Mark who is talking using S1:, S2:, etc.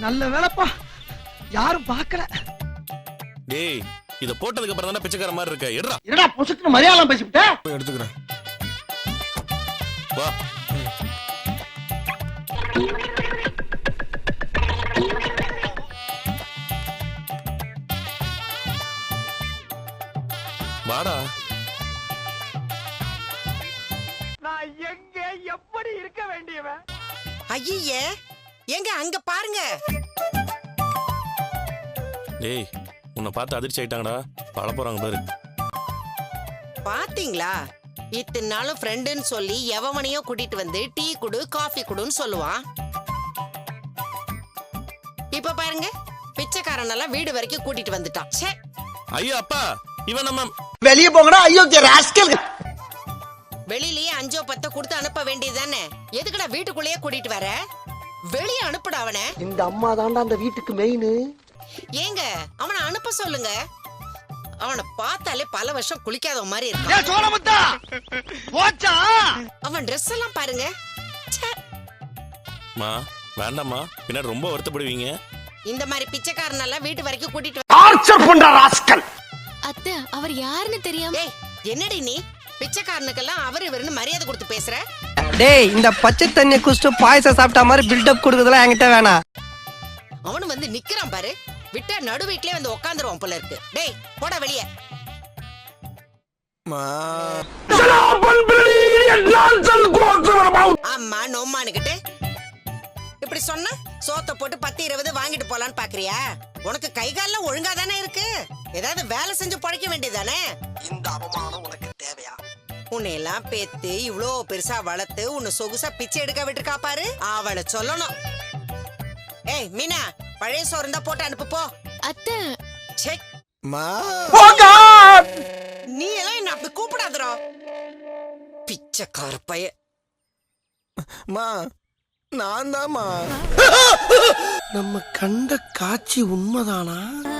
S1: நல்ல வேலைப்பா, யாரும் பார்க்கல.
S2: டேய், இத போட்டதுக்கு அப்புறம் தானே பிச்சைக்கார மாதிரி இருக்க. எடுடா.
S1: என்னடா பொசுக்குன்னு மரியாதை பேசிவிட்ட?
S2: போய் எடுத்துக்கிறேன். வா. வாடா.
S1: நான் எங்க எப்படி இருக்க வேண்டியவன்?
S3: ஐயே, எங்க அங்க பாருங்க.
S2: டேய், உன்னை பார்த்து அதிர்ச்சி ஆயிட்டாங்கடா. பழ போறாங்க பாரு.
S3: பாத்தீங்களா, இத்தனை நாளும் ஃப்ரெண்டுன்னு சொல்லி எவனையோ கூட்டிட்டு வந்து டீ குடு காஃபி குடுன்னு சொல்லுவான். இப்ப பாருங்க, பிச்சைக்காரனெல்லாம் வீடு வரைக்கும் கூட்டிட்டு வந்துட்டான். ச்சே.
S2: ஐயோ அப்பா, இவன் நம்ம
S1: வெளியே போங்கடா. ஐயோ ராஸ்கல்.
S3: வெளியிலயே 5 10 கொடுத்து அனுப்ப வேண்டியதுதானே? எதுக்குடா வீட்டுக்குள்ளேயே கூட்டிட்டு வர? வெளியே அனுப்புடா அவனை.
S1: இந்த அம்மா தாண்டா அந்த வீட்டுக்கு மெயின்.
S3: ஏங்க, அவனை அனுப்ப சொல்லுங்க. அவனை பார்த்தாலே பல வருஷம் குளிக்காத மாதிரி இருக்கான்.
S1: சோழமுத்தா போச்சா?
S3: அவன் ட்ரெஸ் எல்லாம் பாருங்க. ச்சே.
S2: மா வேண்டாம்மா, பின்னாடி ரொம்ப வருத்தப்படுவீங்க.
S3: இந்த மாதிரி பிச்சைக்காரனெல்லாம் வீட்டு வரைக்கும் கூட்டிட்டு
S1: டார்ச்சர் பண்ற ராஸ்கல்.
S4: அத்தை, அவர் யாருன்னு தெரியாம.
S3: ஏய், என்னடி நீ பிச்சைக்காரனுக்கெல்லாம் அவர் இவருன்னு மரியாதை கொடுத்து பேசுற?
S5: டேய், இந்த பச்சை தண்ணியை குடிச்சிட்டு பாயசம் சாப்பிட்ட மாதிரி பில்டப் கொடுக்குறதுலாம் என்கிட்ட வேணாம்.
S3: அவனு வந்து நிக்கிறான் பாரு. விட்டா நடு வீட்லயே வந்து உட்காந்துருவான் போல இருக்கு. டேய், போடா வெளியே. ஆமா நோமானுகிட்டு இப்படி சொன்னா சோத்த போட்டு 10 20 வாங்கிட்டு போலான்னு பாக்குறியா? உனக்கு கை கால்லாம் ஒழுங்கா தானே இருக்கு. ஏதாவது வேலை செஞ்சு பழைக்க வேண்டியதானே?
S1: இந்த அவமானம் உனக்கு தேவையா?
S3: உன்னை எல்லாம் பேத்து இவ்ளோ பெருசா வளர்த்து உன்னை சொகுசா பிச்சை எடுக்க விட்டுருக்கா பாரு. அவளை சொல்லணும். ஏய் மீனா, பழைய சோறு இருந்தா போட்டு அனுப்பு போ.
S4: அத்தை,
S3: ச்சே. நீ எல்லாம் என்ன அப்படி கூப்பிடாதரோ. பிச்சைக்கார பைய.
S5: மா, நான் தான்மா.
S1: நம்ம கண்ட காட்சி உண்மைதானா?